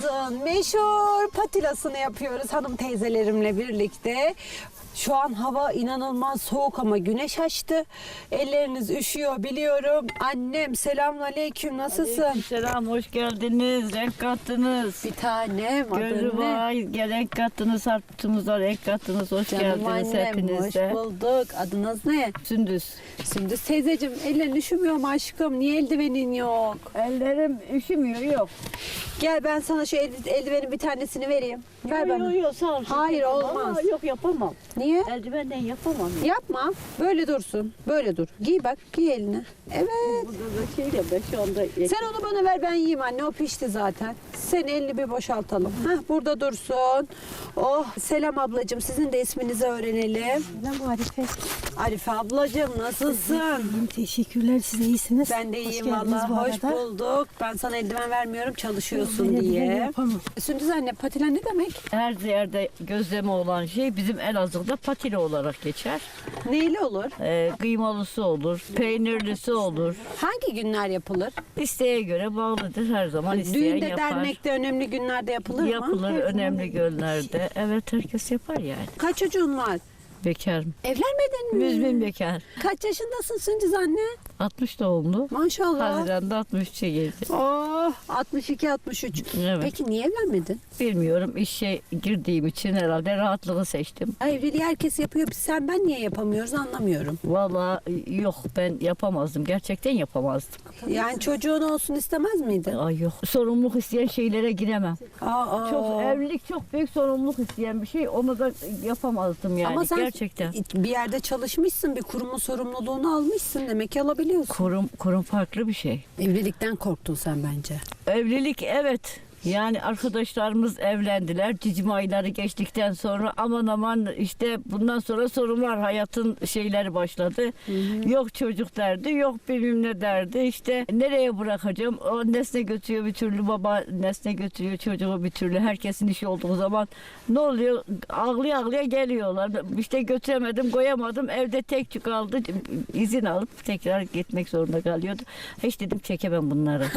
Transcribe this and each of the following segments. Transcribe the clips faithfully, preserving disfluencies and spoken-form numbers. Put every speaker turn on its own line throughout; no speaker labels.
yazın meşhur patilasını yapıyoruz hanım teyzelerimle birlikte. Şu an hava inanılmaz soğuk ama güneş açtı. Elleriniz üşüyor biliyorum. Annem selamünaleyküm, nasılsın?
Selam, hoş geldiniz. Renk kattınız.
Bir tanem,
Gönlü
adın ne?
var. Renk kattınız, harputumuza renk kattınız. Hoş
Canım
geldiniz
annem,
hepiniz
hoş
de.
bulduk. Adınız ne?
Sündüz.
Sündüz teyzeciğim, ellerin üşümüyor mu aşkım? Niye eldivenin yok?
Ellerim üşümüyor, yok.
Gel ben sana şu eld- eldivenin bir tanesini vereyim. Ver bana.
Yok yok, sağ ol.
Hayır, olmaz.
Aa, yok, yapamam.
Niye?
Eldivenden yapamam.
Yapma. Böyle dursun. Böyle dur. Giy bak. Giy eline. Evet.
Burada da şeyle ben şu anda...
Sen onu bana ver, ben yiyeyim anne. O pişti zaten. Sen elini bir boşaltalım. Heh, burada dursun. Oh. Selam ablacığım. Sizin de isminizi öğrenelim.
Selam Arife.
Arife ablacığım, nasılsın?
İyiyim, teşekkürler. Siz de iyisiniz.
Ben de
Hoş
iyiyim
geldiniz
valla.
bu
Hoş
arada.
bulduk. Ben sana eldiven vermiyorum çalışıyorsun
Ben eldiven
diye.
yapamam.
Sündüz anne, patilen ne demek?
Her yerde gözleme olan şey bizim Elazığ'da patili olarak geçer.
Neyli olur?
Ee, kıymalısı olur, peynirlisi olur.
Hangi günler yapılır?
İsteğe göre bağlıdır, her zaman isteyen
Düğünde,
yapar.
dernekte, önemli günlerde yapılır mı?
Yapılır önemli günlerde. Evet, herkes yapar yani.
Kaç çocuğun var?
Bekarım.
Evlenmedin mi?
Müzmin bekar.
Kaç yaşındasın Sündüz anne?
altmış doğumlu.
Maşallah.
Haziran'da altmış üçe geldi.
Oh, altmış iki altmış üç.
Evet.
Peki niye evlenmedin?
Bilmiyorum, işe girdiğim için herhalde rahatlığı seçtim.
Evliliği herkes yapıyor. Biz sen ben niye yapamıyoruz anlamıyorum.
Vallahi yok, ben yapamazdım. Gerçekten yapamazdım.
Yani çocuğun olsun istemez miydin?
Ay yok. Sorumluluk isteyen şeylere giremem.
Aa,
Çok evlilik çok büyük sorumluluk isteyen bir şey. Onu da yapamazdım yani.
Ama sen
Gerçekten.
bir yerde çalışmışsın, bir kurumun sorumluluğunu almışsın. Demek ki alabiliyorsun.
Kurum kurum farklı bir şey.
Evlilikten korktun sen bence.
Evlilik evet. Yani arkadaşlarımız evlendiler. Cicim ayları geçtikten sonra aman aman işte bundan sonra sorunlar, hayatın şeyleri başladı. Hı hı. Yok çocuk derdi, yok bilmem ne derdi. İşte nereye bırakacağım? O nesne götürüyor bir türlü, baba nesne götürüyor çocuğu bir türlü. Herkesin işi olduğu zaman ne oluyor? Ağlıya ağlıya geliyorlar. İşte götüremedim, koyamadım. Evde tek kaldı. İzin alıp tekrar gitmek zorunda kalıyordu. Hiç dedim çekemem bunları.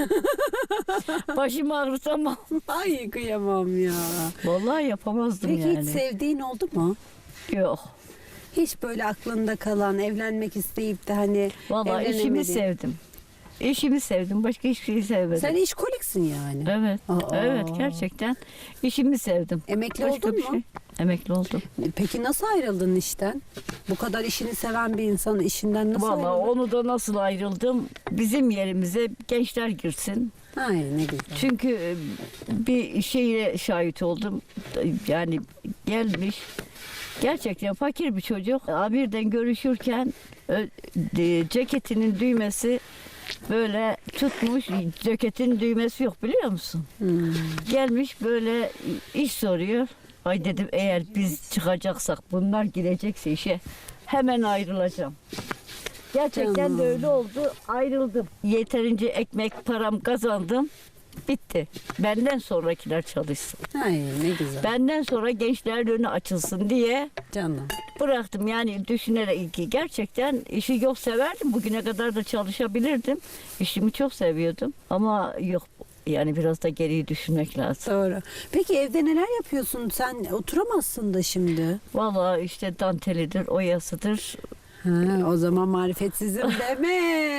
Başım ağrıtamam.
Ay kıyamam ya.
Vallahi yapamazdım
Peki
yani.
hiç sevdiğin oldu mu?
Yok.
Hiç böyle aklında kalan, evlenmek isteyip de hani
Vallahi işimi
evlenemediğin.
sevdim. İşimi sevdim. Başka hiçbir şeyi sevmedim.
Sen işkoliksin yani.
Evet.
Aa.
Evet, gerçekten işimi sevdim.
Emekli
Başka
oldun
bir
mu?
şey. Emekli oldum.
Peki nasıl ayrıldın işten? Bu kadar işini seven bir insanın işinden nasıl
Vallahi
ayrıldın?
onu da nasıl ayrıldım? Bizim yerimize gençler girsin.
Ay ne güzel.
Çünkü e, bir şeye şahit oldum. Yani gelmiş gerçekten fakir bir çocuk. Birden görüşürken ö- e, ceketinin düğmesi böyle tutmuş, ceketin düğmesi yok biliyor musun?
Hmm.
Gelmiş böyle iş soruyor. Ay dedim, eğer biz çıkacaksak, bunlar girecekse işe hemen ayrılacağım. Gerçekten
Canım.
de öyle oldu. Ayrıldım. Yeterince ekmek param kazandım. Bitti. Benden sonrakiler çalışsın.
Ay ne güzel.
Benden sonra gençlerin önü açılsın diye
Canım.
bıraktım. Yani düşünerek ki gerçekten işi yok, severdim. Bugüne kadar da çalışabilirdim. İşimi çok seviyordum. Ama yok. Yani biraz da geriyi düşünmek lazım.
Doğru. Peki evde neler yapıyorsun? Sen oturamazsın da şimdi.
Vallahi işte dantelidir, oyasıdır.
Ha, o zaman marifetsizim deme.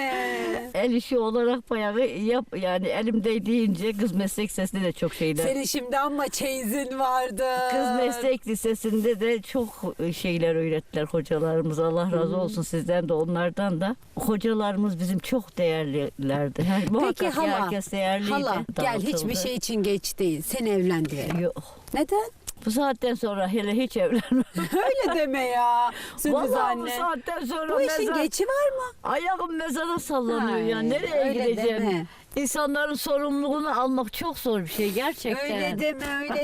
El işi olarak bayağı yap, yani elimde deyince kız meslek lisesinde de çok şeyler.
Senin şimdi ama çeyizin vardı.
Kız meslek lisesinde de çok şeyler öğrettiler hocalarımız. Allah razı olsun sizden de onlardan da. Hocalarımız bizim çok değerlilerdi. Her, muhakkak
hala,
herkes değerliydi.
Hala gel,
Dağıtıldı.
hiçbir şey için geç değil. Sen evlen diye.
Yok.
Neden?
Bu saatten sonra hele hiç evlenmem.
Öyle deme ya. Sündüz
Vallahi bu
anne.
saatten sonra
Bu işin
mezar,
geçi var mı?
ayağım mezara sallanıyor
Ay,
ya. Nereye
öyle
gideceğim?
deme.
İnsanların sorumluluğunu almak çok zor bir şey gerçekten.
Öyle deme, öyle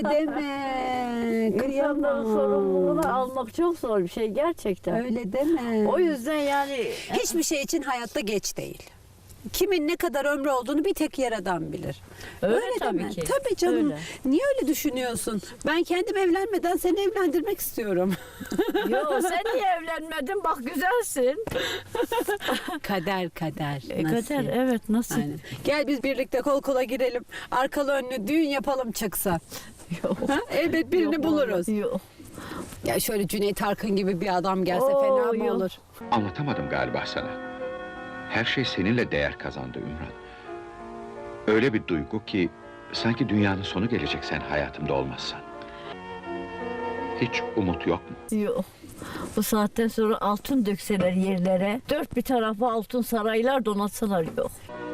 deme.
İnsanların sorumluluğunu almak çok zor bir şey gerçekten.
Öyle deme.
O yüzden yani
Hiçbir şey için hayatta geç değil. kimin ne kadar ömrü olduğunu bir tek Yaradan bilir.
Öyle
değil
tabii
mi?
ki.
Tabii canım.
Öyle.
Niye öyle düşünüyorsun? Ben kendim evlenmeden seni evlendirmek istiyorum.
Yo sen niye evlenmedin? Bak güzelsin.
Kader kader.
E,
nasip.
kader evet nasıl?
Aynen. Gel biz birlikte kol kola girelim. Arkalı önlü düğün yapalım çıksa.
Yok.
Ha? Elbet birini
Yok,
buluruz.
Yok.
Ya şöyle Cüneyt Arkın gibi bir adam gelse
Oo,
fena mı
yok.
olur?
Anlatamadım galiba sana. Her şey seninle değer kazandı Ümran. Öyle bir duygu ki sanki dünyanın sonu gelecek sen hayatımda olmazsan. Hiç umut yok mu?
Yok. Bu saatten sonra altın dökseler yerlere, dört bir tarafa altın saraylar donatsalar yok.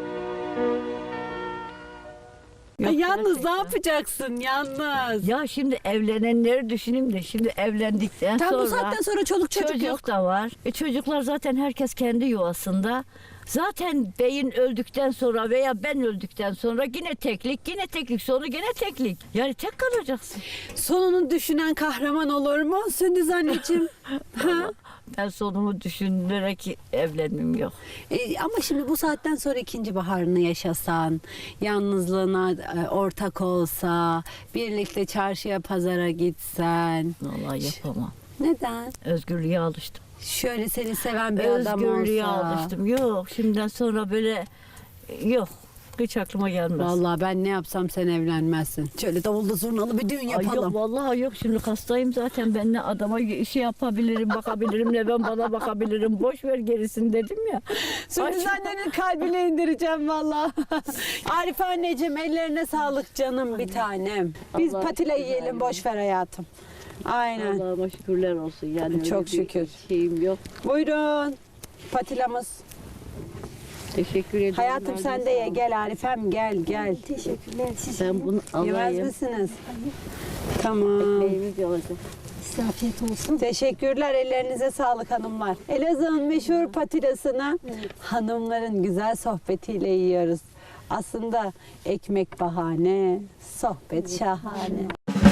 Ay,
Yok,
yalnız
gerçekten.
ne yapacaksın yalnız?
Ya şimdi evlenenleri düşüneyim de şimdi evlendikten
Tam
sonra
bu saatten sonra çoluk çocuk,
çocuk
yok.
da var. E çocuklar zaten herkes kendi yuvasında. Zaten beyin öldükten sonra veya ben öldükten sonra yine teklik, yine teklik, sonu yine teklik. Yani tek kalacaksın.
Sonunu düşünen kahraman olur mu Sündüz anneciğim? ha?
Ben sonumu düşünerek evlenmem yok.
E, ama şimdi bu saatten sonra ikinci baharını yaşasan, yalnızlığına e, ortak olsa, birlikte çarşıya pazara gitsen.
Vallahi yapamam.
Neden?
Özgürlüğe alıştım.
Şöyle seni seven bir adam
Özgürlüğe
olsa.
alıştım. Yok şimdiden sonra böyle yok. Hiç aklıma gelmez.
Vallahi ben ne yapsam sen evlenmezsin. Şöyle davullu zurnalı bir düğün
Ay
yapalım.
yok vallahi yok şimdi hastayım zaten ben ne adama şey yapabilirim bakabilirim ne ben bana bakabilirim boş ver gerisini dedim ya.
Sündüz annenin kalbine indireceğim vallahi. Arif anneciğim ellerine sağlık canım bir tanem. Biz
Allah
patile
güzel
yiyelim
ya.
boş ver hayatım. Aynen.
Allah'ıma şükürler olsun yani öyle
Çok
bir
şükür.
şeyim yok.
Buyurun. Patilamız.
Teşekkür ederim.
Hayatım
Razı
sen de ye
olsun.
gel Arifem gel gel.
Teşekkürler size.
Ben bunu
Yemez
alayım.
misiniz? Tamam.
Ekmeğimiz olacak.
Size afiyet olsun.
Teşekkürler ellerinize sağlık hanımlar. Elazığ'ın meşhur patilasını hanımların güzel sohbetiyle yiyoruz. Aslında ekmek bahane, sohbet şahane.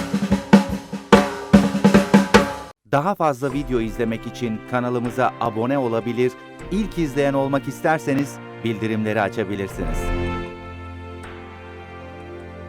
Daha fazla video izlemek için kanalımıza abone olabilir, ilk izleyen olmak isterseniz bildirimleri açabilirsiniz.